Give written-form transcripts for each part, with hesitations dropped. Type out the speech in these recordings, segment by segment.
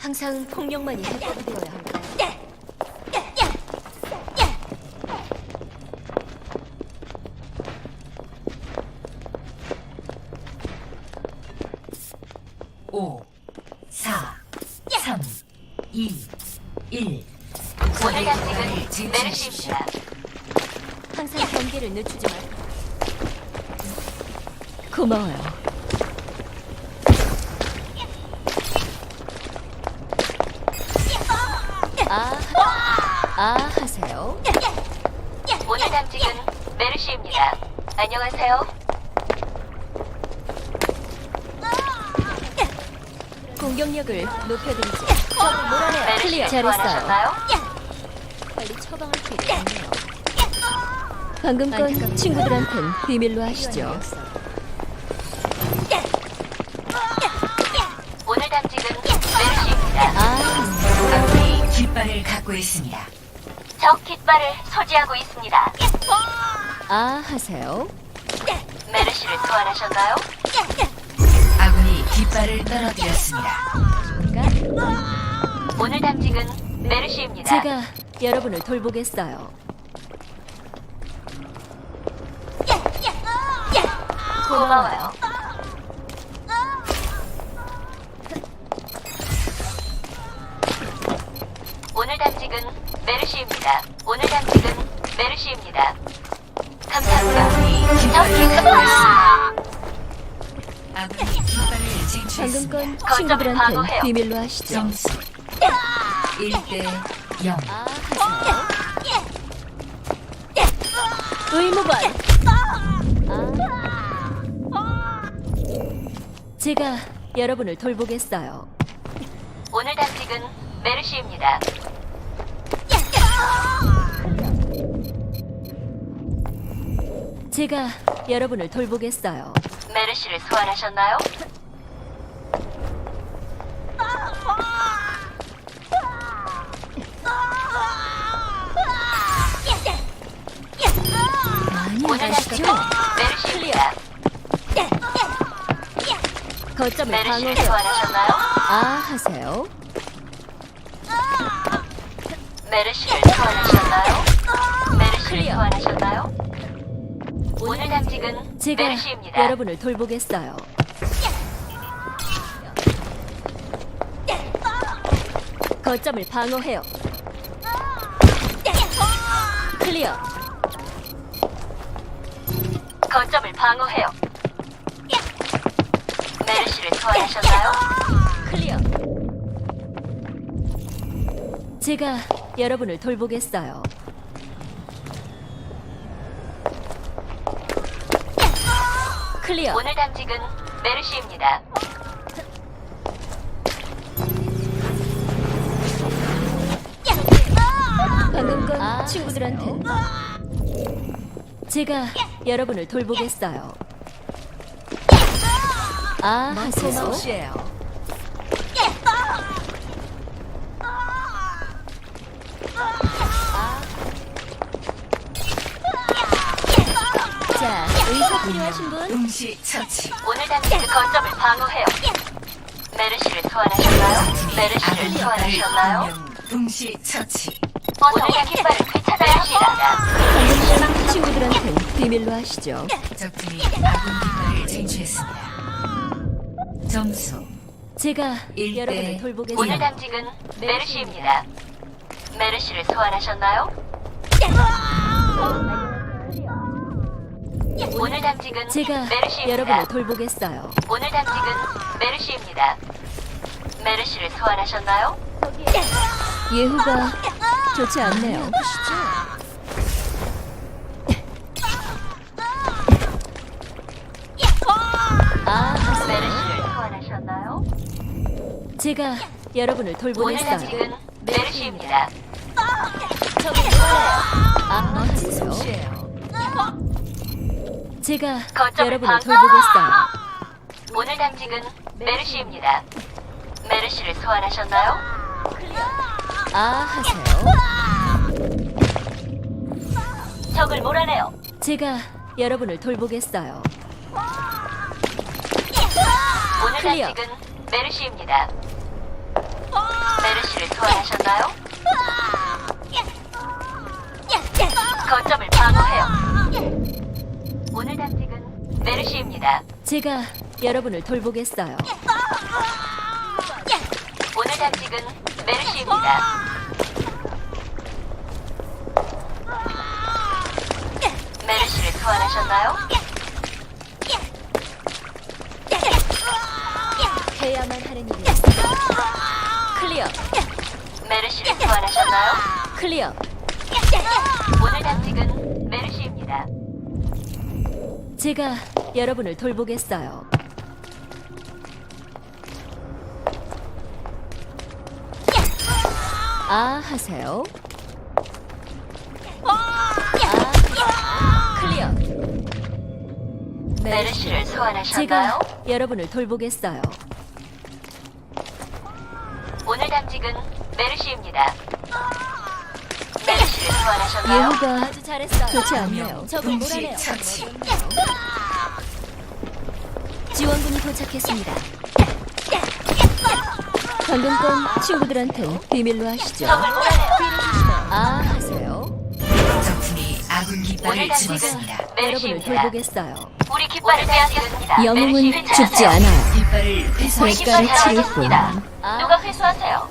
항상 폭력만이 해법이 되어야 할까요? 오, 4, 3, 2, 1. 오늘 당직은 메르시입니다. 항상 경계를 늦추지 말. 고마워요. 하세요. 오늘 당직은 메르시입니다. 안녕하세요. 공격력을 높여드리죠. 몰아내요. 메르시를 클리어. 잘했어요. 소환하셨나요? 빨리 처방할 필요가 없네요. 방금 건 친구들한텐 비밀로 하시죠. 오늘 당직은 메르시입니다. 아군이 깃발을 갖고 있습니다. 적 깃발을 소지하고 있습니다. 하세요. 메르시를 소환하셨나요? 아군이 깃발을 떨어뜨렸습니다. 오늘 당직은 메르시입니다. 제가 여러분을 돌보겠어요. 고마워요. 오늘 당직은 메르시입니다. 오늘 당직은 메르시입니다. 감사합니다. 아군이 깃발을 갖고 있습니다. 아군이 깃발을 방금 쟁취했습니다. 건 거점을 친구들한텐 방어해요. 비밀로 하시죠. 점수 1대 0. 하세요. 의무관. 제가 여러분을 돌보겠어요. 오늘 당직은 메르시입니다. 제가 여러분을 돌보겠어요. 메르시를 소환하셨나요? 많이 오늘 아시죠? 당직은 메르시입니다. 거점을 메르시를 방어해요. 소환하셨나요? 하세요. 메르시를 소환하셨나요? 메르시를 클리어. 소환하셨나요? 오늘 당직은 제가 메르시입니다. 여러분을 돌보겠어요. 거점을 방어해요. 클리어. 거점을 방어해요. 메르시를 소환하셨나요? 클리어. 제가 여러분을 돌보겠어요. 클리어. 오늘 당직은 메르시입니다. 방금 건 친구들한텐 제가 여러분을 돌보겠어요. 하세요. 자, 의사 필요하신 분? 동시 처치. 오늘 당직은 거점을 방어해요. 메르시를 소환하셨나요? 메르시를 아군 깃발을 소환하셨나요? 한명 동시 처치. 오늘 깃발을 되찾아야 합니다. 방금 건 친구들한텐 비밀로 하시죠. 적팀이 아군 깃발을 쟁취했습니다. 점수 제가 일 여러분을 대 오늘 돌보겠습니다. 당직은 메르시입니다. 메르시를 소환하셨나요? 오늘 당직은 제가 메르시입니다. 여러분을 돌보겠어요. 오늘 당직은 메르시입니다. 메르시를 소환하셨나요? 예후가 좋지 않네요. 메르시를 소환하셨나요? 제가 여러분을 오늘 돌보겠어요. 당직은 메르시입니다. 하세요. 제가 거점을 여러분을 방어! 돌보겠어요. 오늘 당직은 메르시입니다. 메르시를 소환하셨나요? 하세요. 적을 몰아내요. 제가 여러분을 돌보겠어요. 오늘 클리어. 당직은 메르시입니다. 메르시를 소환하셨나요? 거점을 방어해요. 오늘 당직은 메르시입니다. 제가 여러분을 돌보겠어요. 오늘 당직은 메르시입니다. 메르시를 소환하셨나요? 해야만 하는 일이었어요. 클리어, 메르시를 소환하셨나요? 클리어. 오늘 당직은 메르시입니다. 제가 여러분을 돌보겠어요. 아 하세요. 클리어. 메르시를 제가 소환하셨나요? 여러분을 돌보겠어요. 오늘 당직은 메르시입니다. 메르시를 소환하셨나요? 예후가 아주 잘했어요. 좋지 않네요. 명 적을 동시 몰아내요. 처치. 지원군이 도착했습니다. 방금 건 친구들한텐 비밀로 하시죠. 적을 몰아내요. 아 하세요. 적팀이 아군 깃발을 오늘 집었습니다. 여러분을 메르시입니다. 돌보겠어요. 우리 깃발을 빼앗겼습니다. 영웅은 메르시를 죽지 찾으세요. 않아요. 깃발을 우리 회수하십시오. 깃발 대가를 치를 사라졌습니다. 뿐. 아. 누가 회수하세요?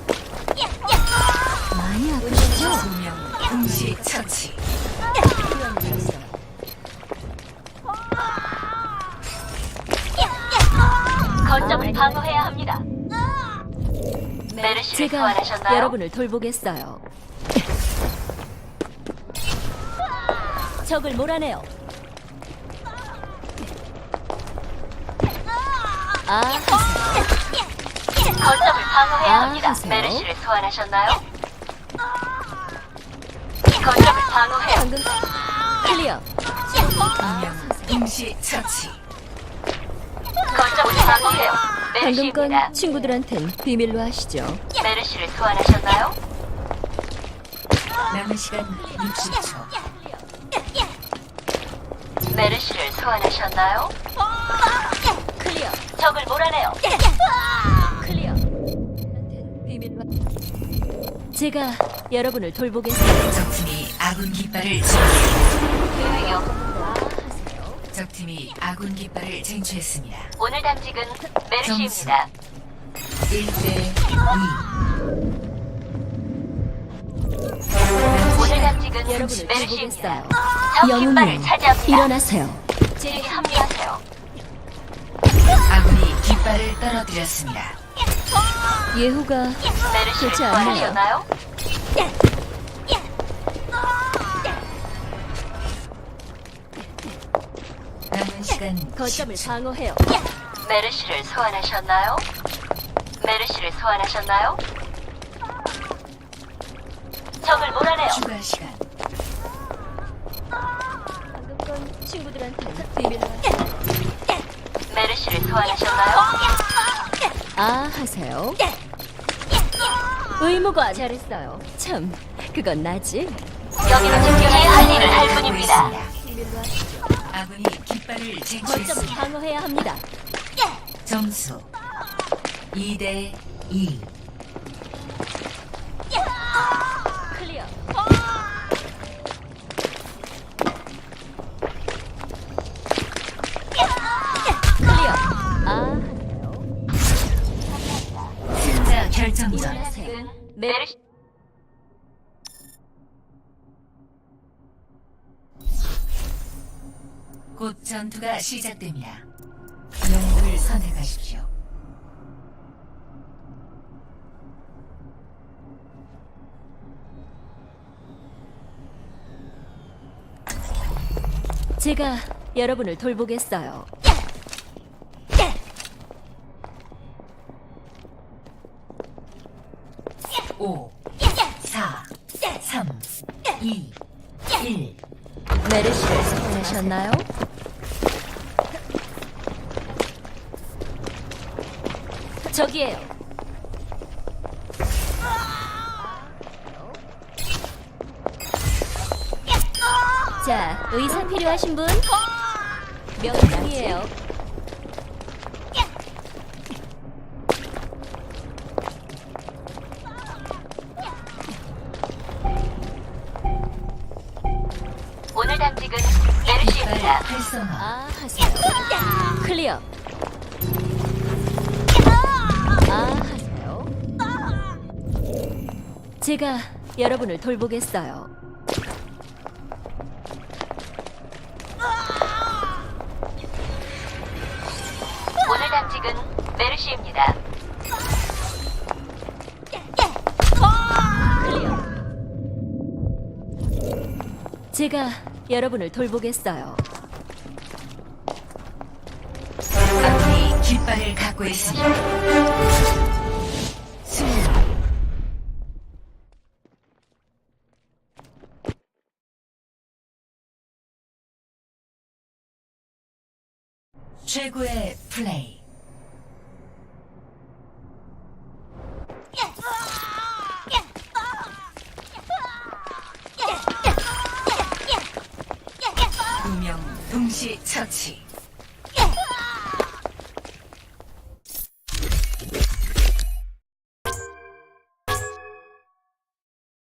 많이 아프시죠? 2명 동시 처치. 거점을 방어해야 합니다. 메르시를 제가 소환하셨나요? 여러분을 돌보겠어요. 적을 몰아내요. 아 하세요. 거점을 방어해야 아, 합니다. 하세요. 메르시를 소환하셨나요? 거점을 방어해요. 방금 클리어. 2명 동시 처치. 거점을 방어해요. 방금 메르시입니다. 건 친구들한텐 비밀로 하시죠. 메르시를 소환하셨나요? 남은 시간 60초. 메르시를 소환하셨나요? 클리어. 적을 몰아내요. 클리어. 비밀로. 제가 여러분을 돌보겠어요. 적팀이 아군 깃발을 집었습니다. 계획이요. 아 하세요. 적팀이 아군 깃발을 쟁취했습니다. 오늘 당직은 메르시입니다. 1대 2. 오늘 당직은 여러분을 메르시입니다. 돌보겠어요. 적 영웅님 깃발을 차지합니다. 일어나세요. 제게 합류하세요. 아군이 깃발을 떨어뜨렸습니다. 예후가 메르시를 좋지 않네요. 소환하셨나요? 남은 시간 거점을 10초. 방어해요. 메르시를 소환하셨나요? 메르시를 소환하셨나요? 적을 몰아내요. 추가 시간. 방금 건 친구들한테 비밀로 하시죠. 메르시를 소환하셨나요? 아 하세요. 의무관 잘했어요. 참 그건 나지. 여기는 지금 제 할 일을 할 뿐입니다. 비밀로 하시죠. 아군이 깃발을 거점을 쟁취했습니다. 방어해야 합니다. 점수 2대 2. 클리어. 클리어. 아 하세요. 승자 결정전. 일어나세요. 메르시 곧 전투가 시작됩니다. 영웅을 선택하십시오. 제가 여러분을 돌보겠어요. 5, 4, 3, 2, 1. 메르시를 소환하셨나요? 저기에요. 자, 의사 필요하신 분? 명중이에요. 당직은 깃발 메르시입니다. 활성화. 아, 하세요. 클리어. 아, 하세요. 제가 여러분을 돌보겠어요. 오늘 당직은 메르시입니다. 클리어. 제가 여러분을 돌보겠어요. 아군이 깃발을 갖고 있습니다. 승리. 최고의 플레이. 두 명 동시 처치.